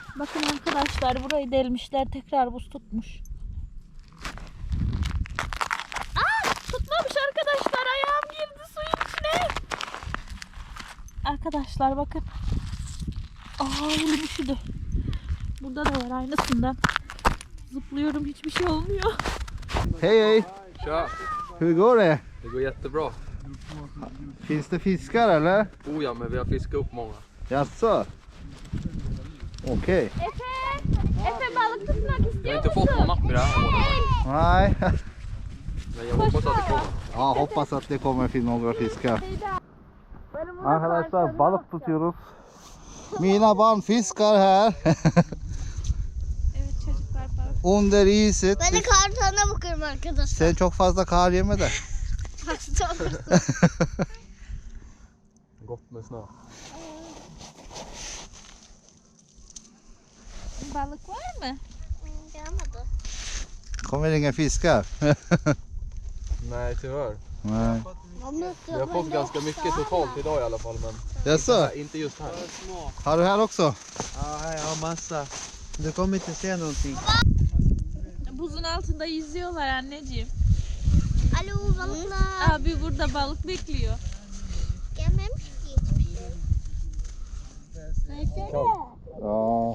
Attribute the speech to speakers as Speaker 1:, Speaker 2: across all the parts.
Speaker 1: Bakın arkadaşlar, burayı delmişler, tekrar buz tutmuş. Tutmamış arkadaşlar, ayağım girdi suyun içine. Arkadaşlar bakın. Elim üşüdü. Burada da var aynısından. Zıplıyorum, hiçbir şey olmuyor.
Speaker 2: Hej hej!
Speaker 3: Tja,
Speaker 2: Hur går det?
Speaker 3: det går jättebra.
Speaker 2: Finns det fiskar eller?
Speaker 3: Oh ja, men vi har fiskat upp många.
Speaker 2: Jaså? Okej.
Speaker 1: Efe balık tutmak
Speaker 3: Vi har
Speaker 1: istiyor
Speaker 3: inte fått någon napp i det här året.
Speaker 2: Nej.
Speaker 3: Men jag hoppas att det kommer.
Speaker 2: Ja, hoppas att det kommer finnas några fiskar. Arkadaşlar balık tutuyoruz. Mina barn fiskar här.
Speaker 1: Evet çocuklar, balık.
Speaker 2: Under iset.
Speaker 4: Ben de kartana bakıyorum arkadaşlar.
Speaker 2: Sen çok fazla kar yeme de.
Speaker 4: Hasta olursun.
Speaker 3: Gott med snö.
Speaker 1: Balık var mı?
Speaker 4: Gelmedi.
Speaker 2: Kommer inga fiskar?
Speaker 3: Nej, tyvärr.
Speaker 2: Nej.
Speaker 3: Vi har fått ganska mycket totalt idag i alla fall, men
Speaker 2: Jaså?
Speaker 3: inte just här.
Speaker 2: Har du här också?
Speaker 5: Ja, här jag har massa. Du kommer inte se någonting.
Speaker 1: Buzun altında yüzüyorlar anneciğim.
Speaker 4: Alo balıklar.
Speaker 1: Abi burada balık bekliyor.
Speaker 4: Gelmemiş ki hiçbir şey. Versene.
Speaker 2: Ja.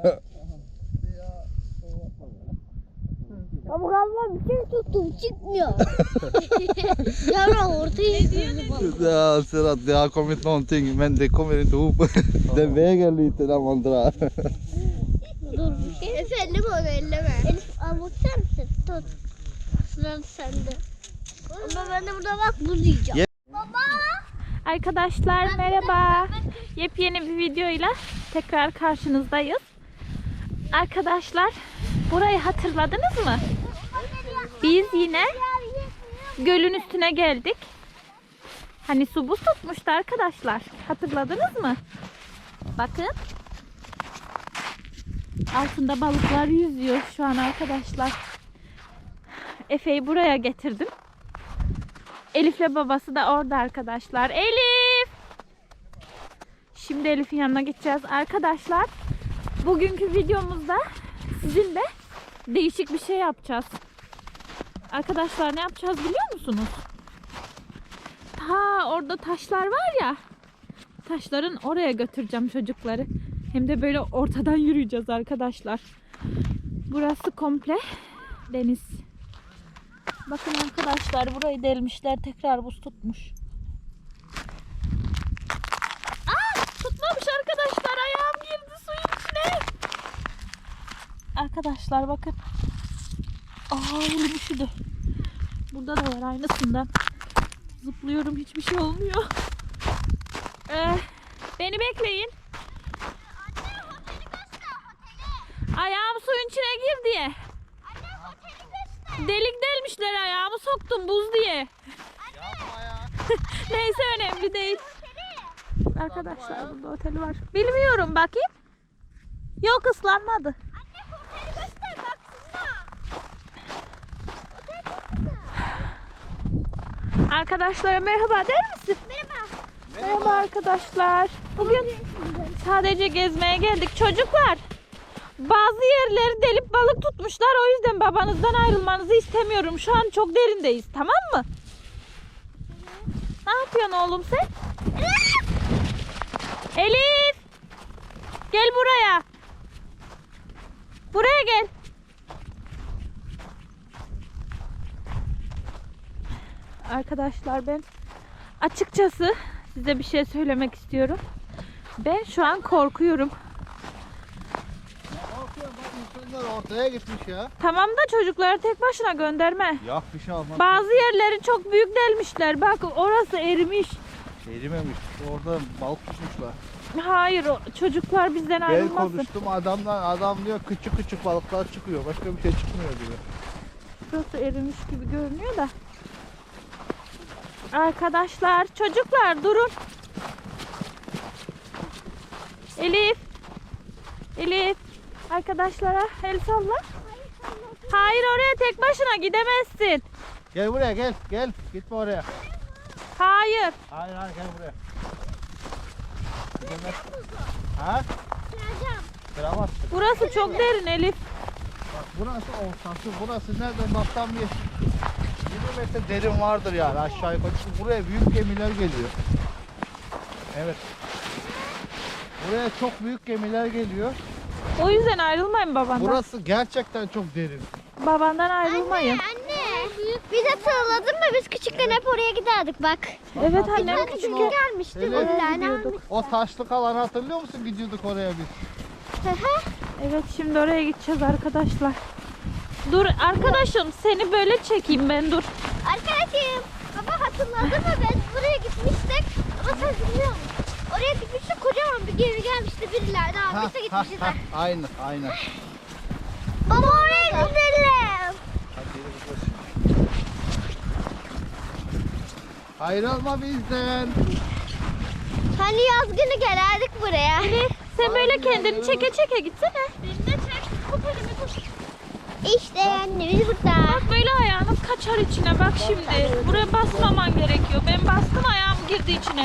Speaker 4: Ama galiba bir şey tuttum çıkmıyor. Yavrum ortaya
Speaker 2: Ja, ser att det har kommit någonting men det kommer inte ihop. Det väger lite när man drar.
Speaker 4: Dur. Efe elleme onu elleme. Elif avuçlar mısın? Tut. Sıra sende. Ama ben de burada bak buz yiyeceğim. Baba.
Speaker 1: Arkadaşlar merhaba. Yepyeni bir videoyla tekrar karşınızdayız. Arkadaşlar, burayı hatırladınız mı? Biz yine gölün üstüne geldik. Hani su buz tutmuştu arkadaşlar. Hatırladınız mı? Bakın. Altında balıklar yüzüyor şu an arkadaşlar. Efe'yi buraya getirdim. Elif'le babası da orada arkadaşlar. Elif! Şimdi Elif'in yanına gideceğiz arkadaşlar. Bugünkü videomuzda sizinle değişik bir şey yapacağız. Arkadaşlar ne yapacağız biliyor musunuz? Ta orada taşlar var ya. Taşların oraya götüreceğim çocukları. Hem de böyle ortadan yürüyeceğiz arkadaşlar. Burası komple deniz. Bakın arkadaşlar, burayı delmişler, tekrar buz tutmuş. Tutmamış arkadaşlar, ayağım girdi suyun içine. Arkadaşlar bakın. Elim üşüdü. Burada da var aynısından. Zıplıyorum, hiçbir şey olmuyor. Beni bekleyin. Ayağım suyun içine gir diye. Delik delmişler, ayağımı soktum buz diye. Neyse, önemli değil. Arkadaşlar burada oteli var. Bilmiyorum, bakayım. Yok, ıslanmadı. Arkadaşlara merhaba der misin?
Speaker 4: Merhaba.
Speaker 1: Merhaba arkadaşlar. Bugün sadece gezmeye geldik. Çocuklar, bazı yerleri delip balık tutmuşlar. O yüzden babanızdan ayrılmanızı istemiyorum. Şu an çok derindeyiz, tamam mı? Ne yapıyorsun oğlum sen? Elif! Gel buraya. Buraya gel. Arkadaşlar, ben açıkçası size bir şey söylemek istiyorum. Ben şu an korkuyorum.
Speaker 2: Ortaya gitmiş ya.
Speaker 1: Tamam da çocukları tek başına gönderme.
Speaker 2: Ya bir şey olmaz.
Speaker 1: Bazı yerleri çok büyük delmişler. Bak, orası erimiş.
Speaker 2: Erimemiş. Orada balık tutmuşlar.
Speaker 1: Hayır, çocuklar bizden
Speaker 2: Ben
Speaker 1: ayrılmasın.
Speaker 2: konuştum adam diyor küçük küçük balıklar çıkıyor. Başka bir şey çıkmıyor diyor.
Speaker 1: Burası erimiş gibi görünüyor da. Arkadaşlar, çocuklar durun. Elif. Elif. Arkadaşlara el salla. Hayır, oraya tek başına gidemezsin.
Speaker 2: Gel buraya gel. Gel. Gitme oraya.
Speaker 1: Hayır.
Speaker 2: Hayır gel buraya. Gidemez. Ha? Kıramazsın.
Speaker 1: Burası çok derin Elif.
Speaker 2: Bak burası ortası. Burası nereden baktan bir 20 metre derin vardır yani aşağı yukarı. Çünkü buraya büyük gemiler geliyor. Evet. Buraya çok büyük gemiler geliyor.
Speaker 1: O yüzden ayrılmayın babandan.
Speaker 2: Burası gerçekten çok derin.
Speaker 1: Babandan ayrılmayın.
Speaker 4: Anne. Biz hatırladın mı? Biz küçükken hep oraya giderdik bak.
Speaker 1: Evet annem
Speaker 4: Ben
Speaker 1: küçük.
Speaker 4: küçük gelmiştik.
Speaker 2: Evet.
Speaker 4: Bir tane
Speaker 2: O taşlık alanı hatırlıyor musun? Gidiyorduk oraya biz.
Speaker 1: Evet şimdi oraya gideceğiz arkadaşlar. Dur arkadaşım seni böyle çekeyim ben dur.
Speaker 4: Arkadaşım. Baba hatırladın mı? Biz buraya gitmiştik. Ama sen bilmiyor musun? Oraya gitmiştik. Kocaman bir gemi gelmişti. Birileri de almıştı gitmişti.
Speaker 2: Aynen, aynen.
Speaker 4: Baba oraya gidelim.
Speaker 2: Ayrılma bizden.
Speaker 4: Hani yaz günü gelerdik buraya.
Speaker 1: Sen böyle kendini çeke çeke gitsene.
Speaker 4: Beni de çek. İşte anne biz burada.
Speaker 1: Bak böyle ayağınız kaçar içine bak şimdi. Buraya basmaman gerekiyor. Ben bastım ayağım girdi içine.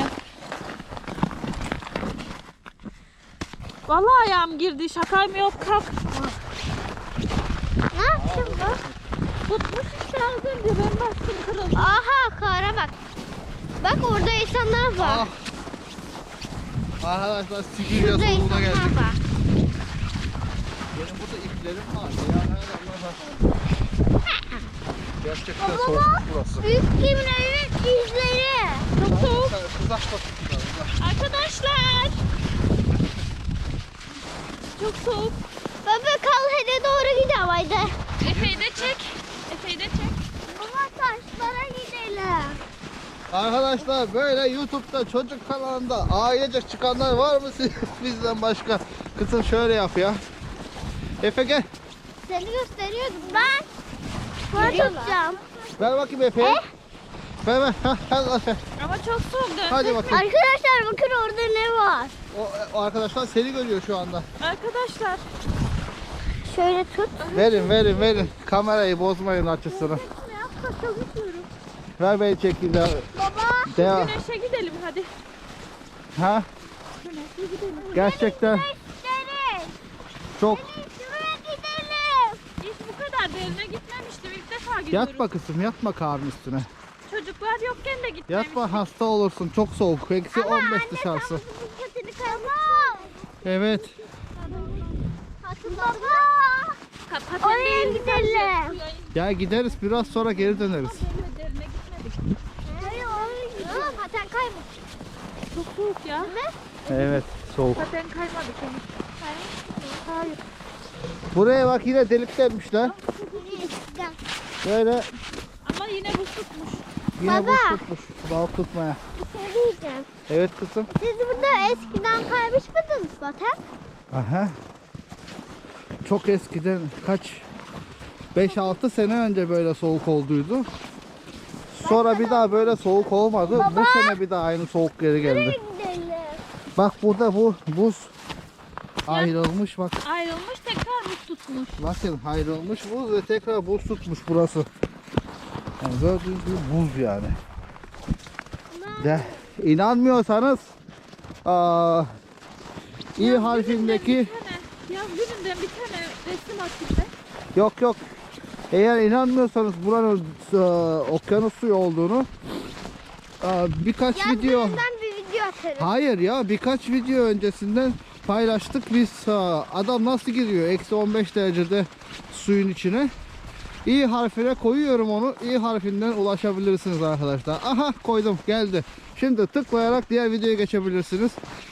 Speaker 1: Vallahi ayağım girdi. Şakam yok kalk.
Speaker 4: Ne yaptın bu?
Speaker 1: Tutmuş işte az önce ben bastım kırıldı.
Speaker 4: Aha kara bak. Bak orada insanlar var.
Speaker 2: Ah. Arkadaşlar Sibirya
Speaker 4: Şurada
Speaker 2: sonuna
Speaker 4: insanlar
Speaker 2: geldik.
Speaker 4: var.
Speaker 2: Benim burada iplerim var. Ya Allah bak. Gerçekten soğuk burası.
Speaker 4: Büyük gemilerin izleri.
Speaker 1: Çok soğuk.
Speaker 2: Uzak bakın.
Speaker 1: Arkadaşlar. Çok soğuk.
Speaker 4: Baba kalhede doğru gidelim haydi.
Speaker 1: Efe'yi de çek. Efe'yi de çek.
Speaker 4: Baba taşlara gidelim.
Speaker 2: Arkadaşlar böyle YouTube'da çocuk kanalında ailecek çıkanlar var mı bizden başka? Kızım şöyle yap ya. Efe gel.
Speaker 4: Seni gösteriyordum ben. Bunu tutacağım.
Speaker 2: Ver bakayım Efe'ye. Ver ver. Hadi Efe.
Speaker 1: Ama çok soğuk dön.
Speaker 2: Hadi bakayım.
Speaker 4: Arkadaşlar bakın orada ne var.
Speaker 2: O arkadaşlar seni görüyor şu anda.
Speaker 1: Arkadaşlar.
Speaker 4: Şöyle tut.
Speaker 2: Verin. Kamerayı bozmayın açısını. Ver beni çekeyim de.
Speaker 4: Baba.
Speaker 2: Devam.
Speaker 1: Güneşe gidelim hadi.
Speaker 2: Ha? Gerçekten
Speaker 4: Gösterin.
Speaker 2: çok.
Speaker 4: Şuraya gidelim.
Speaker 1: Hiç bu kadar derine gitmemiştim. İlk defa gidiyorum.
Speaker 2: Yatma kızım, yatma karnın üstüne.
Speaker 1: Çocuklar yokken de gitmemiştim.
Speaker 2: Yatma, hasta olursun. Çok soğuk. Eksi 15 dışarısı.
Speaker 4: Buzkatını kaymak.
Speaker 2: Evet.
Speaker 4: Baba.
Speaker 1: Paten
Speaker 4: Oraya
Speaker 1: değil,
Speaker 4: gidelim.
Speaker 2: Ya gideriz, biraz sonra geri döneriz.
Speaker 1: derine gitmedik.
Speaker 4: Hayır oraya gidelim. Paten kaymak.
Speaker 1: Çok soğuk ya.
Speaker 2: Evet, soğuk.
Speaker 1: Paten kaymadık henüz. Hayır.
Speaker 2: Buraya bak, yine delik delmişler. Böyle
Speaker 1: Ama yine buz tutmuş.
Speaker 2: yine
Speaker 4: Baba.
Speaker 2: buz tutmuş. Balık tutmaya.
Speaker 4: Bir şey diyeceğim.
Speaker 2: Evet kızım.
Speaker 4: Siz burada eskiden kaymış mıydınız paten?
Speaker 2: Aha. Çok eskiden kaç 5-6 sene önce böyle soğuk olduydu. Sonra bir daha böyle soğuk olmadı. Bu sene bir daha aynı soğuk geri geldi.
Speaker 4: Gidelim.
Speaker 2: Bak burada bu buz ayrılmış bak.
Speaker 1: Ayrılmış tekrar buz tutmuş.
Speaker 2: Bakın ayrılmış buz ve tekrar buz tutmuş burası. Yani gördüğünüz gibi buz yani. De, inanmıyorsanız İ harfindeki
Speaker 1: Yaz gününden bir tane resim atayım ben.
Speaker 2: yok eğer inanmıyorsanız buranın okyanus suyu olduğunu birkaç video
Speaker 4: Ben bir video atarım.
Speaker 2: hayır ya birkaç video öncesinden paylaştık biz. Adam nasıl giriyor eksi 15 derecede suyun içine. İ harfine koyuyorum onu. İ harfinden ulaşabilirsiniz arkadaşlar. Aha koydum, geldi. Şimdi tıklayarak diğer videoya geçebilirsiniz.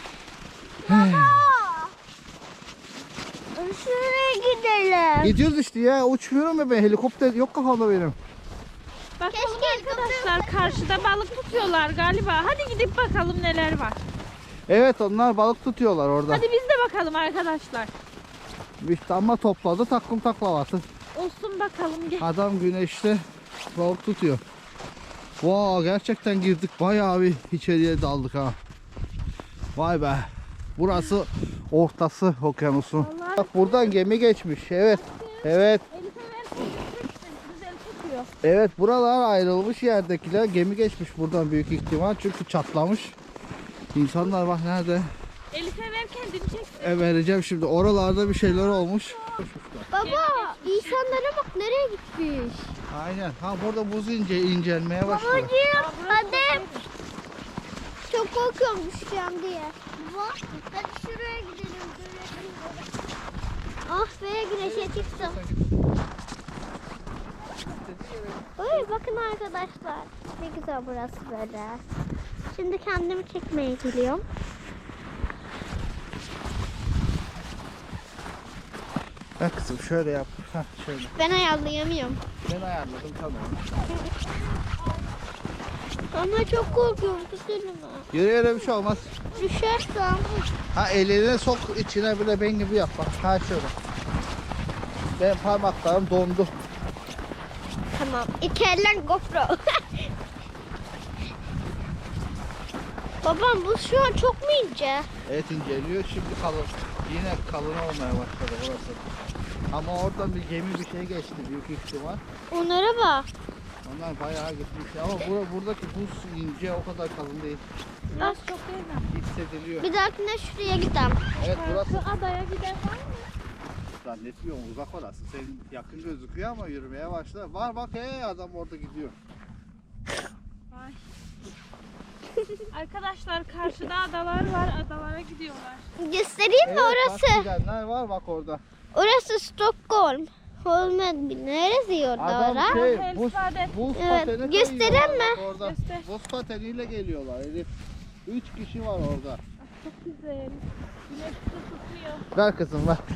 Speaker 4: Şuraya gidelim.
Speaker 2: Gidiyoruz işte ya, uçmuyorum ya ben, helikopter yok kafamda benim.
Speaker 1: Bakalım
Speaker 4: Keşke
Speaker 1: arkadaşlar karşıda balık tutuyorlar galiba. Hadi gidip bakalım neler var.
Speaker 2: Evet, onlar balık tutuyorlar orada.
Speaker 1: Hadi biz de bakalım arkadaşlar.
Speaker 2: İşte ama topladı takım taklavatı.
Speaker 1: Olsun bakalım gel.
Speaker 2: Adam güneşte balık tutuyor. Wow, gerçekten girdik, bayağı bir içeriye daldık ha. Vay be. Burası ortası okyanusun.
Speaker 1: Vallahi-
Speaker 2: Bak buradan gemi geçmiş. Evet. Evet.
Speaker 1: Elif'e versin güzel tutuyor.
Speaker 2: Evet, buralar ayrılmış yerdekiler. Gemi geçmiş buradan büyük ihtimal çünkü çatlamış. İnsanlar bak nerede?
Speaker 1: Elif'e ver kendini çek.
Speaker 2: Vereceğim şimdi. Oralarda bir şeyler olmuş.
Speaker 4: Baba insanlara bak nereye gitmiş.
Speaker 2: Aynen. Ha burada buz incelmeye başladı.
Speaker 4: Babacığım hadi. Çok korkuyorum düşeceğim diye. Baba hadi şuraya gidelim. Ah be güneşe çıktım. Oy bakın arkadaşlar. Ne güzel burası böyle. Şimdi kendimi çekmeye geliyorum.
Speaker 2: Ha kızım şöyle yap. Ha şöyle.
Speaker 4: Ben ayarlayamıyorum.
Speaker 2: Ben ayarladım tamam.
Speaker 4: Ama çok korkuyorum tutuyorum.
Speaker 2: Yürüyerek bir şey olmaz.
Speaker 4: Düşersem.
Speaker 2: Ha elini sok içine bile ben gibi yap bak. Ha şöyle. Benim parmaklarım dondu.
Speaker 4: Tamam. İki eller GoPro. Babam bu şu an çok mu ince?
Speaker 2: Evet inceliyor şimdi kalın. Yine kalın olmaya başladı burası. Ama oradan bir gemi bir şey geçti büyük ihtimal.
Speaker 4: Onlara bak.
Speaker 2: Onlar bayağı gitmiş ama buradaki buz ince o kadar kalın değil.
Speaker 1: Biraz çok değil mi?
Speaker 2: Hissediliyor.
Speaker 4: Bir dahakine şuraya gidelim.
Speaker 2: Evet burası
Speaker 1: Şu adaya giden var mı?
Speaker 2: zannetmiyorum uzak orası. Senin yakın gözüküyor ama yürümeye başla. Var bak adam orada gidiyor.
Speaker 1: Arkadaşlar karşıda adalar var. Adalara gidiyorlar.
Speaker 4: Göstereyim mi
Speaker 2: Bak
Speaker 4: orası?
Speaker 2: gidenler var bak orada.
Speaker 4: Orası Stockholm. Holmen neresi orada
Speaker 2: Adam
Speaker 4: orası?
Speaker 2: şey
Speaker 1: Hells
Speaker 2: buz
Speaker 1: Paden.
Speaker 4: Evet,
Speaker 2: pateni
Speaker 4: göstereyim
Speaker 2: kayıyorlar
Speaker 4: mi?
Speaker 2: bak orada.
Speaker 1: Göster.
Speaker 2: Buz pateniyle geliyorlar Elif. 3 kişi var orada.
Speaker 1: Çok güzel. Güneş de tutuyor.
Speaker 2: Ver kızım ver.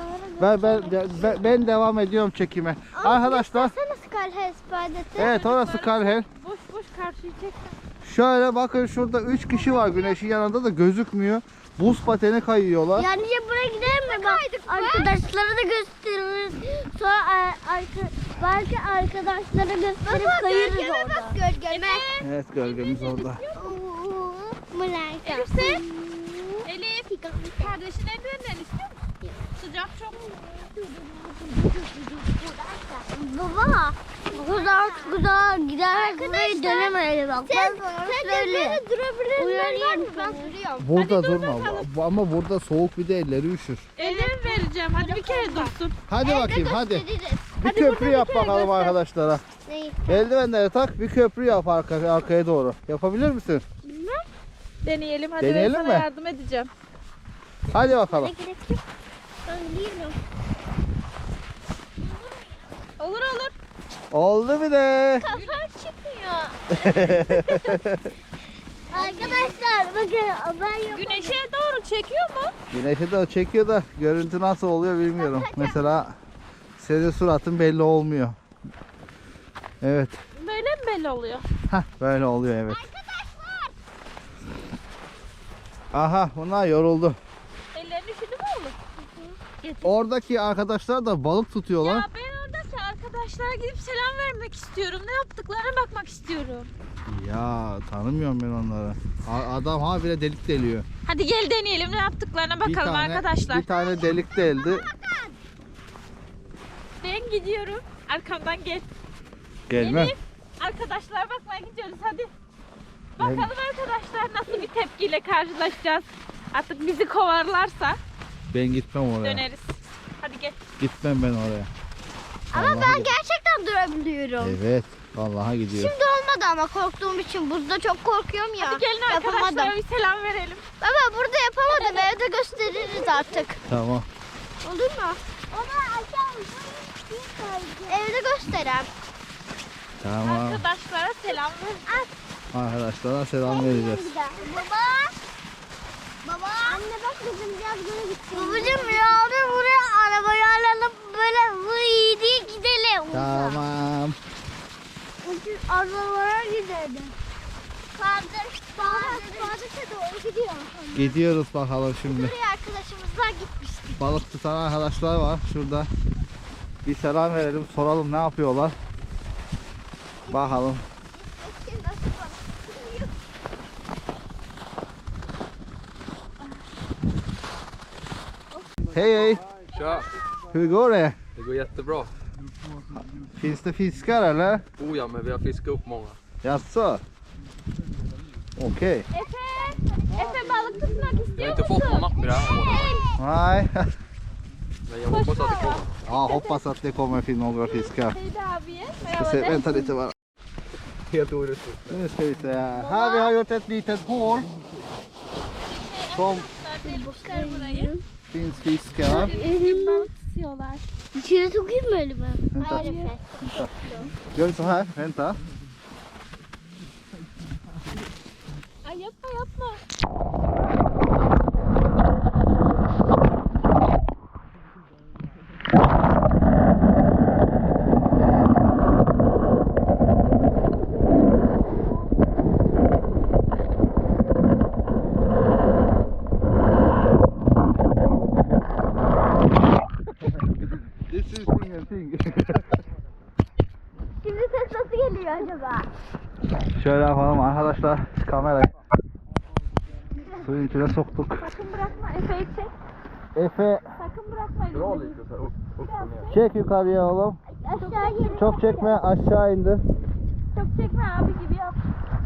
Speaker 2: Ben devam ediyorum çekime. Arkadaşlar
Speaker 4: Sana Skalhes Badet'i.
Speaker 2: evet orası Karhel.
Speaker 1: Boş boş karşıyı çekme.
Speaker 2: Şöyle bakın şurada 3 kişi var güneşin yanında da gözükmüyor. Buz pateni kayıyorlar.
Speaker 4: Yani buraya gidelim mi? Bak, arkadaşlara da gösteririz. Sonra belki arkadaşlara gösterip kayırız orada. Bak gölgeme.
Speaker 2: Evet gölgemiz orada.
Speaker 4: Elif
Speaker 1: Elif. Kardeşin eldivenlerini istiyor musun? Sıcak çok.
Speaker 4: Baba, güzel gider burayı dönemeyiz bak. Sen böyle durabilirsin. Var mı? Ben duruyorum.
Speaker 2: Burada
Speaker 1: Hadi dur
Speaker 2: durma
Speaker 1: bakalım.
Speaker 2: ama burada soğuk bir de elleri üşür.
Speaker 1: Eldiven vereceğim. Hadi bir kere dursun.
Speaker 2: Hadi bakayım hadi.
Speaker 4: Gösteririz.
Speaker 2: Bir
Speaker 1: Hadi
Speaker 2: köprü
Speaker 1: burada
Speaker 2: yap
Speaker 1: bir kere
Speaker 2: bakalım
Speaker 1: göster.
Speaker 2: arkadaşlara.
Speaker 4: Neyi?
Speaker 2: Eldivenleri tak bir köprü yap arkaya doğru. Yapabilir misin?
Speaker 1: Deneyelim. Hadi
Speaker 2: Deneyelim
Speaker 1: ben sana
Speaker 2: mi?
Speaker 1: yardım edeceğim.
Speaker 2: Hadi bakalım.
Speaker 4: Ne gerek yok. Ben değilim.
Speaker 1: Olur olur.
Speaker 2: Oldu bir de.
Speaker 4: Kafam çıkmıyor. Arkadaşlar bakın ben yok.
Speaker 1: Güneşe doğru çekiyor mu?
Speaker 2: Güneşi de çekiyor da görüntü nasıl oluyor bilmiyorum. Mesela senin suratın belli olmuyor. Evet.
Speaker 1: Böyle mi belli oluyor?
Speaker 2: Hah böyle oluyor evet. Aha bunlar yoruldu.
Speaker 1: Ellerini üşüdü mü oğlum?
Speaker 2: Oradaki arkadaşlar da balık tutuyorlar.
Speaker 1: Ya ben oradaki arkadaşlara gidip selam vermek istiyorum. Ne yaptıklarına bakmak istiyorum.
Speaker 2: Ya tanımıyorum ben onları. Adam ha bile delik deliyor.
Speaker 1: Hadi gel deneyelim ne yaptıklarına bakalım arkadaşlar.
Speaker 2: Bir tane delik deldi.
Speaker 1: Ben gidiyorum. Arkamdan gel.
Speaker 2: Gelme.
Speaker 1: Elif, arkadaşlar bakmaya gidiyoruz hadi. Bakalım arkadaşlar nasıl bir tepkiyle karşılaşacağız. Artık bizi kovarlarsa
Speaker 2: Ben gitmem oraya.
Speaker 1: döneriz. Hadi gel.
Speaker 2: Gitmem ben oraya.
Speaker 4: Ama
Speaker 2: Vallahi
Speaker 4: ben gerçekten durabiliyorum.
Speaker 2: Evet. Vallahi gidiyor.
Speaker 4: Şimdi olmadı ama korktuğum için buzda çok korkuyorum ya.
Speaker 1: Hadi gelin
Speaker 4: Yapamadım.
Speaker 1: arkadaşlara bir selam verelim.
Speaker 4: Baba burada yapamadım. Evde gösteririz artık.
Speaker 2: Tamam.
Speaker 4: Olur mu? Evde gösterem.
Speaker 2: Tamam.
Speaker 1: Arkadaşlara selam ver.
Speaker 2: Arkadaşlara selam vereceğiz.
Speaker 4: Baba. Baba. Anne bak bizim biraz göre gitsin. Babacım ya abi buraya arabayı alalım böyle vıy diye gidelim.
Speaker 2: Tamam.
Speaker 4: Arabalara gidelim. Kardeşe doğru gidiyor.
Speaker 2: Gidiyoruz bakalım şimdi.
Speaker 4: Buraya arkadaşımızla gitmiştik.
Speaker 2: Balık tutan arkadaşlar var şurada. Bir selam verelim, soralım ne yapıyorlar. Bakalım. Hej hej!
Speaker 3: Tja,
Speaker 2: Hur går det?
Speaker 3: det går jättebra.
Speaker 2: Finns det fiskar eller?
Speaker 3: Oh ja, men vi har fiskat upp många.
Speaker 2: Jaså? Okej.
Speaker 4: Efe,
Speaker 1: Efe balık tutmak
Speaker 3: Jag har
Speaker 1: istiyor
Speaker 3: inte fått någon
Speaker 1: musun?
Speaker 3: napp i det här året.
Speaker 2: Nej.
Speaker 3: Men jag hoppas att det kommer.
Speaker 2: Ja, hoppas att det kommer till några fiskar.
Speaker 1: Hej abiye.
Speaker 2: Ska se, vänta lite bara.
Speaker 3: Helt orättvist.
Speaker 2: Nu ska vi se här. Här vi har gjort ett litet hål. Som
Speaker 1: Bakar burayı.
Speaker 2: finns fiskar.
Speaker 1: Balık tutuyorlar.
Speaker 4: İçine sokayım mı elimi?
Speaker 2: Vänta.
Speaker 4: Hayır Efe.
Speaker 2: Gör så här, vänta.
Speaker 1: Ay yapma yapma.
Speaker 2: Det syns ingenting.
Speaker 4: Şimdi ses nasıl geliyor acaba?
Speaker 2: Şöyle yapalım arkadaşlar. Kamerayı suyun içine soktuk.
Speaker 1: Sakın bırakma Efe'yi çek.
Speaker 2: Efe
Speaker 1: Sakın bırakma
Speaker 3: Dra
Speaker 1: elini.
Speaker 3: lite så här upp och ner.
Speaker 2: çek yukarıya oğlum.
Speaker 4: Aşağı gelin.
Speaker 2: Çok çekme, aşağı indir.
Speaker 1: Çok çekme abi gibi yap.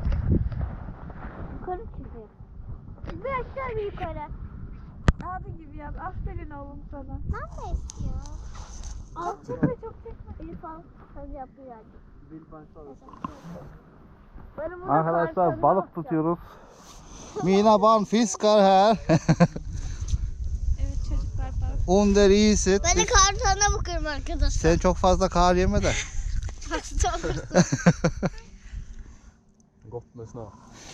Speaker 4: Yukarı çıkıyor. Bir aşağı bir yukarı.
Speaker 1: Abi gibi yap. Aferin oğlum sana.
Speaker 4: Nasıl istiyor?
Speaker 1: Çok çekme çok çekme.
Speaker 4: Elif al. Hadi yapıyor.
Speaker 2: Arkadaşlar balık tutuyoruz. Mina barn fiskar här.
Speaker 1: Evet çocuklar balık.
Speaker 2: Under iset.
Speaker 4: Ben de kartona bakıyorum arkadaşlar.
Speaker 2: Sen çok fazla kar yeme de.
Speaker 4: Hasta olursun.
Speaker 3: Gott med snö.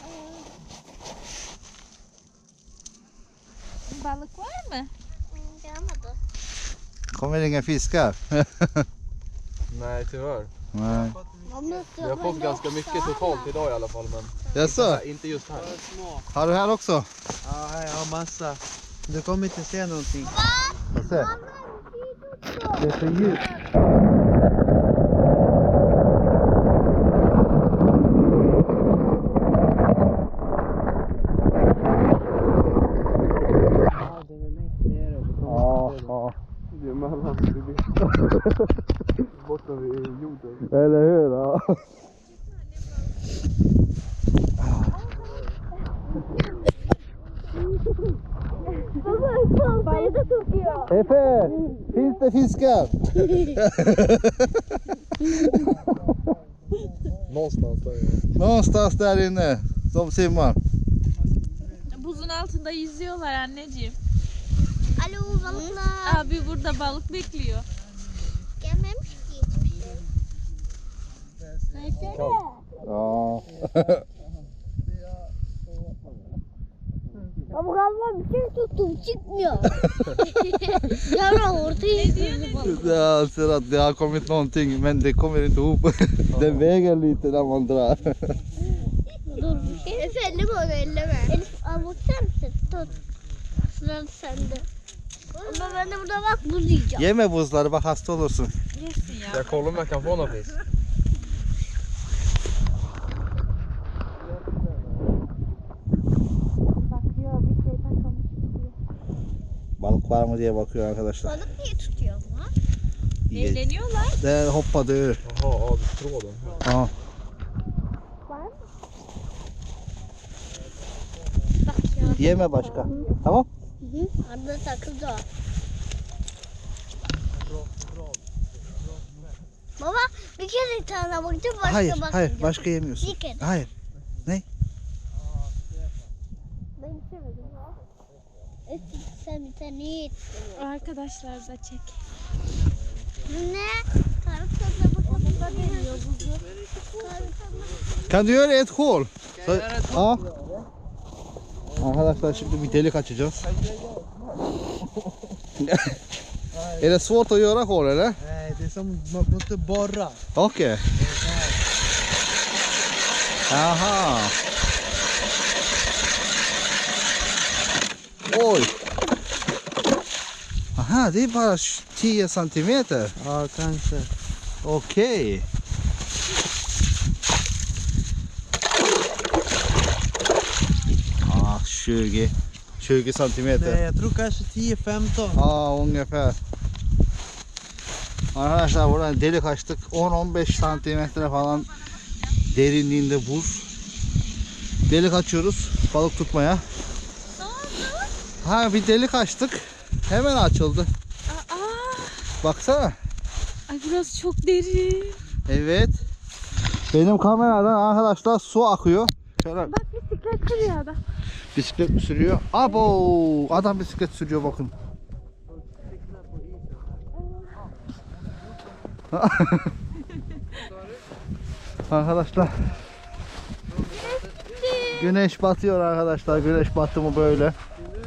Speaker 1: Balık var mı?
Speaker 4: Gelmedi.
Speaker 2: Kommer inga fiskar.
Speaker 3: Nej, tyvärr.
Speaker 2: Nej.
Speaker 3: Vi har fått ganska mycket totalt idag i alla fall, men
Speaker 2: Jaså?
Speaker 3: inte just här.
Speaker 5: Små.
Speaker 2: Har du här också?
Speaker 5: Ja, här jag har massa. Du kommer inte se någonting.
Speaker 2: Får se. Det är för djupt.
Speaker 5: Ja, den är längst nere. Du kommer
Speaker 2: Ja,
Speaker 5: inte se den.
Speaker 2: ja.
Speaker 3: Det är mellan borta vid jorden.
Speaker 2: Eller hur? Ja.
Speaker 4: Baba saltayı da tutuyor.
Speaker 2: Efe, finns det fiskar?
Speaker 3: Någonstans där är
Speaker 2: Någonstans där inne. De simmar.
Speaker 1: Buzun altında yüzüyorlar anneciğim.
Speaker 4: Alo balıklar.
Speaker 1: Abi burada balık bekliyor.
Speaker 4: Gelmemiş ki hiçbir şey. Versene.
Speaker 2: Ja.
Speaker 4: Ama galiba bir şey tuttum çıkmıyor. Yavrum ortaya gidiyor.
Speaker 2: Jag ser att det har kommit någonting men det kommer inte ihop. Det väger lite när man drar.
Speaker 4: Dur bir şey. Efe elleme onu elleme. Elif avuçlar mısın? Tut. Sıra sende. Ama ben de burada bak buz yiyeceğim.
Speaker 2: Yeme buzları bak hasta olursun.
Speaker 1: Yesin ya.
Speaker 3: Jag kollar om jag kan få någon fisk.
Speaker 1: Bakıyor bir şey takılmış gidiyor.
Speaker 2: Balık var mı diye bakıyor arkadaşlar.
Speaker 4: Balık niye tutuyor ama?
Speaker 1: Eğleniyorlar.
Speaker 2: Där hoppade ur.
Speaker 3: Jaha, ja, tråden.
Speaker 2: Ja.
Speaker 4: Var mı?
Speaker 2: Yeme başka. Tamam?
Speaker 4: Hı. Arada takıldı o. Baba bir kere tane bakacağım başka
Speaker 2: Hayır,
Speaker 4: bakmayacağım.
Speaker 2: hayır. Başka yemiyorsun.
Speaker 4: Bir kere.
Speaker 2: Hayır.
Speaker 4: Ben istemedim. Sen bir tane ye.
Speaker 1: Arkadaşlar da çek.
Speaker 4: Ne? Karıklarına bakalım. Geliyor buzu.
Speaker 2: Kan du göra ett hål? Så, ja. Arkadaşlar şimdi bir delik açacağız. Är det svårt att göra hål eller?
Speaker 5: Nej, det är som man måste borra.
Speaker 2: Okej. Aha. Oj. Aha, det är bara 10 centimeter.
Speaker 5: Ja, kanske.
Speaker 2: Okej. Ah, 20 centimeter.
Speaker 5: Nej, jag tror kanske 10-15.
Speaker 2: Aa, ungefär. Arkadaşlar buradan delik açtık. 10-15 santimetre falan derinliğinde buz. Delik açıyoruz balık tutmaya. Ha bir delik açtık. Hemen açıldı. Baksana.
Speaker 1: Ay burası çok derin.
Speaker 2: Evet. Benim kameradan arkadaşlar su akıyor. Şöyle
Speaker 1: Bak bisiklet sürüyor adam.
Speaker 2: bisiklet mi sürüyor? Abo! Adam bisiklet sürüyor bakın. Arkadaşlar. Güneş batıyor arkadaşlar. Güneş battı mı böyle?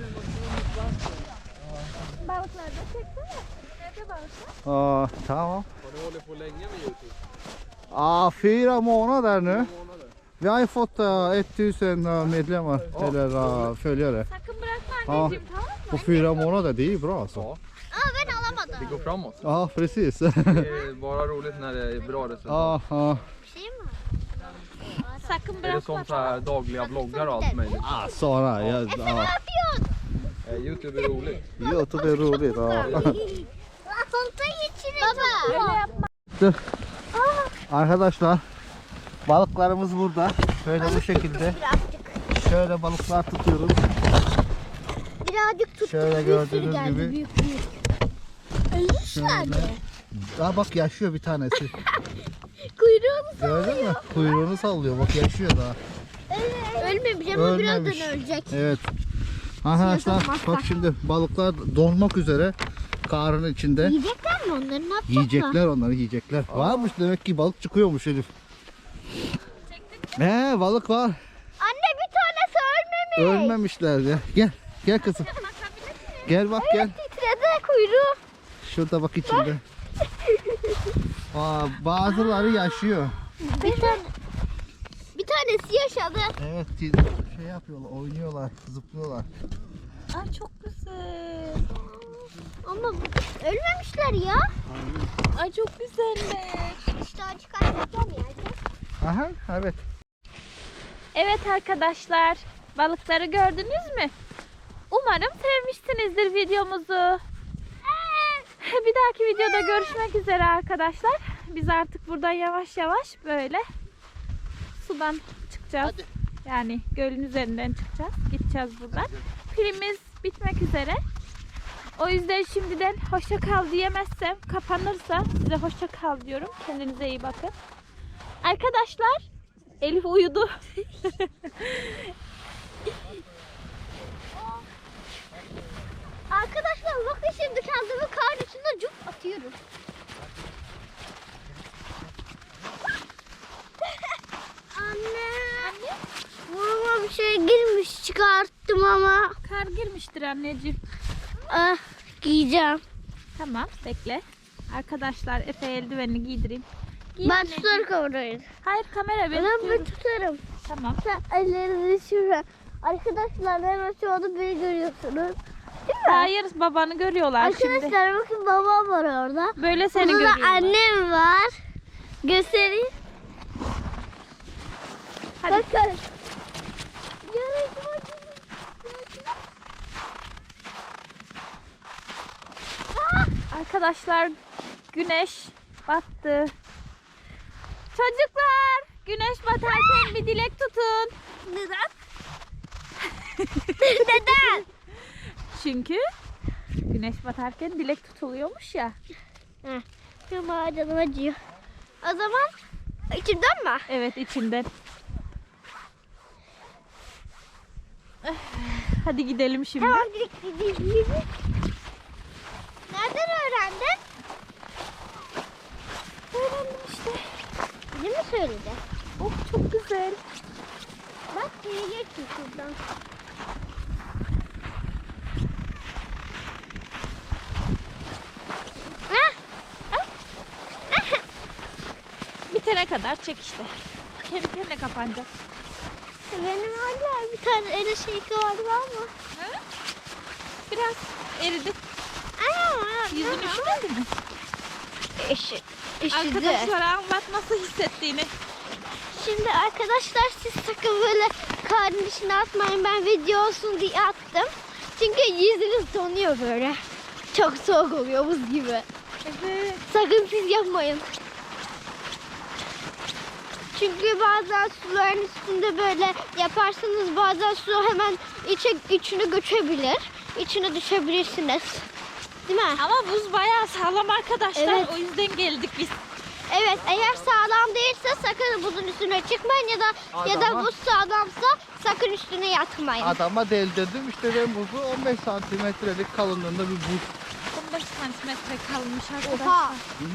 Speaker 1: Balıklar da çeksene. Nerede balıklar?
Speaker 2: Aa, tamam.
Speaker 3: Har du hållit på länge med Youtube?
Speaker 2: Ja, 4 månader nu. Vi har ju fått 1000 medlemmar, eller följare.
Speaker 1: Sakın bırakma
Speaker 2: Ja,
Speaker 1: anneciğim, tamam mı?
Speaker 2: på 4 månader, det är ju bra alltså.
Speaker 3: Ja,
Speaker 4: Aa ben alamadım.
Speaker 3: det går framåt.
Speaker 2: Ja, precis.
Speaker 3: Det är bara roligt när det är bra resultat.
Speaker 2: Ja, ja.
Speaker 4: Bir şey mi?
Speaker 1: Sakın
Speaker 3: Är det
Speaker 1: bırakma.
Speaker 3: som så här dagliga vloggar och allt möjligt?
Speaker 2: Ah, Sara, ja,
Speaker 4: Ne
Speaker 2: ja.
Speaker 4: yapıyorsun?
Speaker 3: Youtube är roligt.
Speaker 2: YouTube är roligt. Ja.
Speaker 4: Sonta geçirin. Baba.
Speaker 1: Öyle yapma.
Speaker 2: Arkadaşlar, balıklarımız burada. Şöyle bu şekilde.
Speaker 4: Birazcık.
Speaker 2: Şöyle balıklar tutuyoruz.
Speaker 4: Birazcık tuttum.
Speaker 2: Şöyle
Speaker 4: Bir sürü
Speaker 2: gördüğünüz
Speaker 4: geldi,
Speaker 2: gibi.
Speaker 4: Büyük büyük. Ölmüşlerdi.
Speaker 2: Aa bak yaşıyor bir tanesi.
Speaker 4: Kuyruğunu
Speaker 2: Gördün mü? Kuyruğunu sallıyor. Bak yaşıyor daha.
Speaker 4: ölmemiş ama
Speaker 2: Ölmemiş.
Speaker 4: birazdan ölecek.
Speaker 2: Evet. Arkadaşlar
Speaker 4: Siyah
Speaker 2: bak şimdi balıklar donmak üzere karın içinde.
Speaker 4: Yiyecekler mi onları? Ne yapacaklar?
Speaker 2: Yiyecekler onları yiyecekler. Varmış demek ki balık çıkıyormuş Elif. Balık var.
Speaker 4: Anne bir tanesi ölmemiş.
Speaker 2: Ölmemişler ya. Gel. Gel kızım. Gel bak gel.
Speaker 4: Titredi kuyruğu.
Speaker 2: Şurada bak içinde. Aa, bazıları yaşıyor.
Speaker 4: Bir tanesi yaşadı.
Speaker 2: Evet şey yapıyorlar, oynuyorlar, zıplıyorlar.
Speaker 1: Ay çok güzel.
Speaker 4: Ama ölmemişler ya.
Speaker 1: Ay çok güzeller.
Speaker 4: İşte çıkartacağım ya.
Speaker 2: Aha evet.
Speaker 1: Evet arkadaşlar, balıkları gördünüz mü? Umarım sevmişsinizdir videomuzu. Bir dahaki videoda görüşmek üzere arkadaşlar. Biz artık buradan yavaş yavaş böyle sudan çıkacağız. Yani gölün üzerinden çıkacağız. Gideceğiz buradan. Pilimiz bitmek üzere. O yüzden şimdiden hoşça kal diyemezsem, kapanırsa size hoşça kal diyorum. Kendinize iyi bakın. Arkadaşlar, Elif uyudu.
Speaker 4: Arkadaşlar bakın şimdi kendimi kar içinde cuk atıyorum. Anne. Burnuma bir şey girmiş çıkarttım ama.
Speaker 1: Kar girmiştir anneciğim.
Speaker 4: Ah giyeceğim.
Speaker 1: Tamam, bekle. Arkadaşlar, Efe eldivenini giydireyim. Giy
Speaker 4: Ben
Speaker 1: anneciğim.
Speaker 4: tutarım kamerayı.
Speaker 1: Hayır, kamera ben
Speaker 4: Ben
Speaker 1: tutuyorum.
Speaker 4: tutarım.
Speaker 1: Tamam.
Speaker 4: Sen ellerini şuraya. Arkadaşlar hemen şu anda beni görüyorsunuz. Değil mi?
Speaker 1: Hayır, babanı görüyorlar şimdi.
Speaker 4: Arkadaşlar bakın babam var orada.
Speaker 1: Böyle seni
Speaker 4: Burada da
Speaker 1: görüyorlar.
Speaker 4: annem var. Göstereyim.
Speaker 1: Hadi.
Speaker 4: Bakın.
Speaker 1: Arkadaşlar, güneş battı. Çocuklar, güneş batarken bir dilek tutun.
Speaker 4: Neden? Neden?
Speaker 1: Çünkü güneş batarken dilek tutuluyormuş ya.
Speaker 4: Ama canım acıyor. O zaman içimden mi?
Speaker 1: Evet, içinden. Hadi gidelim şimdi.
Speaker 4: Tamam gideyim. Nereden öğrendin?
Speaker 1: Öğrendim işte.
Speaker 4: Bize mi söyledi?
Speaker 1: Oh, çok güzel.
Speaker 4: Bak geleceksin şuradan.
Speaker 1: Bitene kadar çek işte. Kendi kendine kapanacak.
Speaker 4: Benim hala bir tane öyle şey vardı ama.
Speaker 1: Biraz eridi. Yüzün üşümedi mi?
Speaker 4: Üşüdü.
Speaker 1: Arkadaşlara anlat nasıl hissettiğini.
Speaker 4: Şimdi arkadaşlar siz sakın böyle karnın içine atmayın. Ben video olsun diye attım. Çünkü yüzünüz donuyor böyle. Çok soğuk oluyor buz gibi.
Speaker 1: Evet.
Speaker 4: Sakın siz yapmayın. Çünkü bazen suların üstünde böyle yaparsanız bazen su hemen içine göçebilir. içine düşebilirsiniz. Değil mi?
Speaker 1: Ama buz bayağı sağlam arkadaşlar.
Speaker 4: Evet.
Speaker 1: O yüzden geldik biz.
Speaker 4: Evet, eğer sağlam değilse sakın buzun üstüne çıkmayın ya da
Speaker 2: Adama-
Speaker 4: buz sağlamsa sakın üstüne yatmayın.
Speaker 2: Adama deldirdim işte ben buzu 15 santimetrelik kalınlığında bir buz.
Speaker 1: 15 santimetre kalmış arkadaşlar.
Speaker 4: Oha.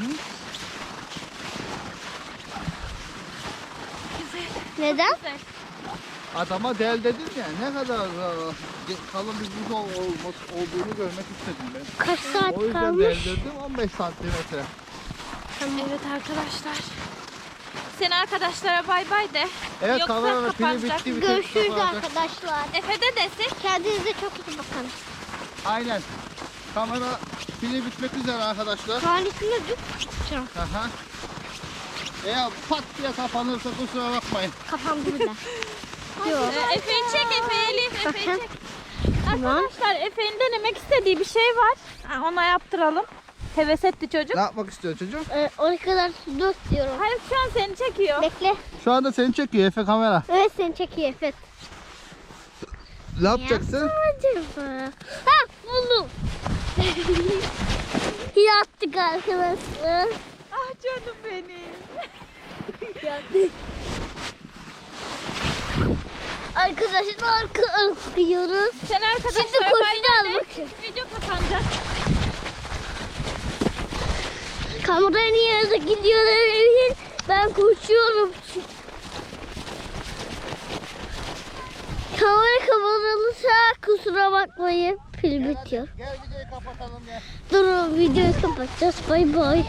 Speaker 1: Güzel.
Speaker 4: Neden?
Speaker 1: Güzel.
Speaker 2: Adama del dedim ya ne kadar kalın bir buz olduğunu görmek istedim ben.
Speaker 4: Kaç saat
Speaker 2: O yüzden
Speaker 4: kalmış?
Speaker 2: deldirdim 15 santimetre.
Speaker 1: Evet arkadaşlar. Sen arkadaşlara bay bay de.
Speaker 2: Evet
Speaker 1: Yoksa
Speaker 2: kameranın pili
Speaker 1: kapanacak.
Speaker 2: bitti. Bir tek
Speaker 4: Görüşürüz
Speaker 2: kapanacak.
Speaker 4: arkadaşlar.
Speaker 1: Efe de desin.
Speaker 4: Kendinize çok iyi bakın.
Speaker 2: Aynen. Kamera pili bitmek üzere arkadaşlar.
Speaker 4: Tuvaletine tutacağım.
Speaker 2: Aha. Eğer pat diye kapanırsa kusura bakmayın.
Speaker 4: Kafam burada. Yok.
Speaker 1: Efe'yi çek, Efe'yi Elif. Efe'yi
Speaker 4: Bakın.
Speaker 1: çek.
Speaker 4: Tamam.
Speaker 1: Arkadaşlar Efe'nin denemek istediği bir şey var. Ha, ona yaptıralım. Heves etti çocuk.
Speaker 2: Ne yapmak istiyor çocuk?
Speaker 4: Oraya kadar su dök diyorum.
Speaker 1: Hayır şu an seni çekiyor.
Speaker 4: Bekle.
Speaker 2: Şu anda seni çekiyor Efe kamera.
Speaker 4: Evet seni çekiyor Efet.
Speaker 2: Ne yapacaksın?
Speaker 4: Acaba? Ha buldum. Yattık arkadaşlar.
Speaker 1: Ah canım benim.
Speaker 4: Arkadaşlar akıyoruz.
Speaker 1: Sen arkadaşlar
Speaker 4: Şimdi koşacağız bakın.
Speaker 1: Video kapanacak.
Speaker 4: Kamerayı niye de gidiyor ben koşuyorum. Kamera kapatılırsa kusura bakmayın. Pil bitiyor.
Speaker 2: Gel videoyu kapatalım gel.
Speaker 4: Durun videoyu kapatacağız. Bay bay.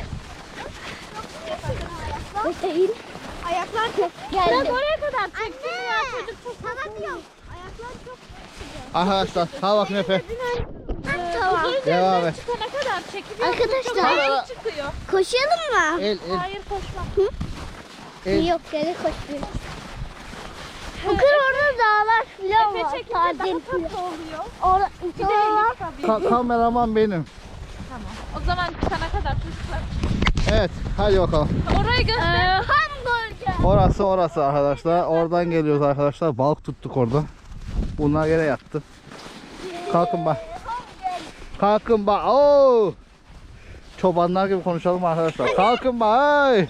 Speaker 4: Bakayım. Ayaklar çok geldi.
Speaker 1: Ben oraya kadar çektim ya çocuk.
Speaker 4: Sana diyorum. Ayaklar çok
Speaker 2: Arkadaşlar ha bakın Efe.
Speaker 4: Tamam.
Speaker 2: Devam et.
Speaker 1: Çıkana kadar çekiliyor.
Speaker 4: Arkadaşlar.
Speaker 1: Çok ağır çıkıyor.
Speaker 4: Koşalım mı?
Speaker 2: El
Speaker 1: Hayır koşma.
Speaker 2: el.
Speaker 4: Yok geri koşuyoruz. Bakın orada dağlar filan
Speaker 1: Efe
Speaker 4: var.
Speaker 1: çekince daha
Speaker 4: Tatil
Speaker 1: tatlı
Speaker 4: filan.
Speaker 1: oluyor.
Speaker 4: Orada
Speaker 1: Bir de
Speaker 4: var.
Speaker 1: Elif tabii.
Speaker 2: Kameraman benim.
Speaker 1: Tamam. O zaman çıkana kadar çocuklar.
Speaker 2: Evet hadi bakalım.
Speaker 1: Orayı göster.
Speaker 4: Hamburger.
Speaker 2: Orası arkadaşlar. Oradan geliyoruz arkadaşlar. Balık tuttuk orada. Bunlar yine yattı. Kalkın bak. Kalkın bak. Oo! Çobanlar gibi konuşalım arkadaşlar. Kalkın bak. Ay!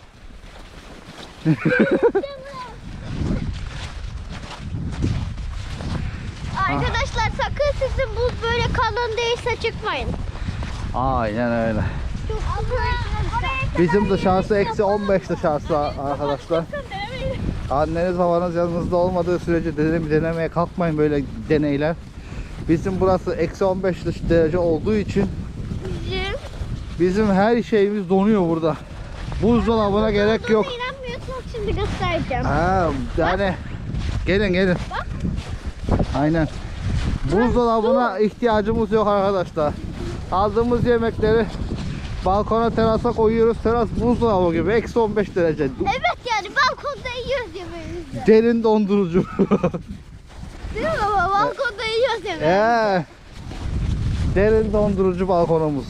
Speaker 4: Arkadaşlar sakın sizin buz böyle kalın değilse çıkmayın.
Speaker 2: Aynen öyle.
Speaker 4: Çok güzel.
Speaker 2: Bizim dışarısı eksi 15 dışarısı arkadaşlar. Anneniz babanız yanınızda olmadığı sürece denemeye kalkmayın böyle deneyler. Bizim burası eksi 15 derece olduğu için bizim her şeyimiz donuyor burada. Buzdolabına gerek yok.
Speaker 4: İnanmıyorsanız şimdi göstereceğim.
Speaker 2: Ha, yani gelin. Aynen. Buzdolabına ihtiyacımız yok arkadaşlar. Aldığımız yemekleri balkona terasa koyuyoruz. Teras buzdolabı gibi eksi 15 derece.
Speaker 4: Evet yani balkonda yiyoruz yemeğimizi.
Speaker 2: Derin dondurucu.
Speaker 4: Değil mi baba? Balkonda yiyoruz yemeğimizi.
Speaker 2: Derin dondurucu balkonumuz.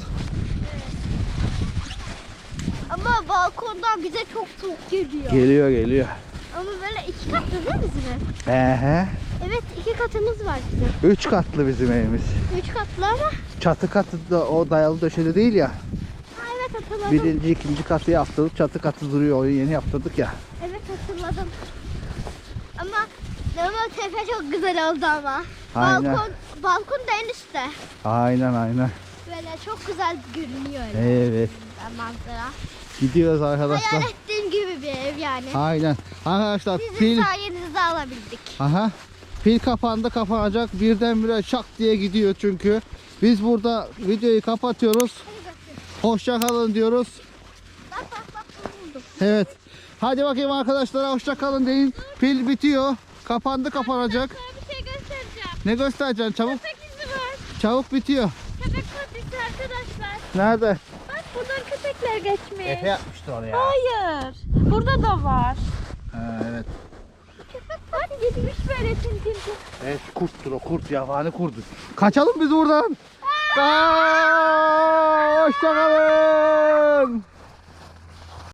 Speaker 4: Ama balkondan bize çok soğuk geliyor.
Speaker 2: Geliyor.
Speaker 4: Ama böyle 2 katlı değil mi bizim ev?
Speaker 2: Ehe.
Speaker 4: Evet 2 katımız var bizim.
Speaker 2: 3 katlı bizim evimiz.
Speaker 4: 3 katlı ama.
Speaker 2: Çatı katı da o dayalı döşeli değil ya.
Speaker 4: Ha, evet hatırladım.
Speaker 2: Birinci, ikinci katı yaptırdık. Çatı katı duruyor. Onu yeni yaptırdık ya.
Speaker 4: Evet hatırladım. Ama tepe çok güzel oldu ama.
Speaker 2: Aynen.
Speaker 4: Balkon da en üstte.
Speaker 2: Aynen.
Speaker 4: Böyle çok güzel görünüyor
Speaker 2: Evet.
Speaker 4: manzara.
Speaker 2: Gidiyoruz arkadaşlar.
Speaker 4: Hayal ettiğim gibi bir ev yani.
Speaker 2: Aynen. Arkadaşlar
Speaker 4: Sizin
Speaker 2: pil.
Speaker 4: sayenizde alabildik.
Speaker 2: Aha. Pil kapandı kapanacak. Birdenbire şak diye gidiyor çünkü. Biz burada videoyu kapatıyoruz. Hoşça kalın diyoruz.
Speaker 4: Bak buldum.
Speaker 2: Evet. Hadi bakayım arkadaşlara hoşça kalın deyin. Pil bitiyor. Kapandı kapanacak.
Speaker 1: Sana bir şey göstereceğim.
Speaker 2: Ne göstereceksin? Çabuk.
Speaker 1: Köpek izi var.
Speaker 2: Çabuk bitiyor.
Speaker 1: Köpek patisi arkadaşlar.
Speaker 2: Nerede?
Speaker 1: Bak buradan köpekler geçmiş.
Speaker 2: yapmıştı oraya.
Speaker 1: Hayır. Burada da var.
Speaker 2: Evet.
Speaker 1: Bak gitmiş böyle tintin.
Speaker 2: Evet kurttur o kurt yabani kurdu. Kaçalım biz buradan. Aa, hoşça kalın.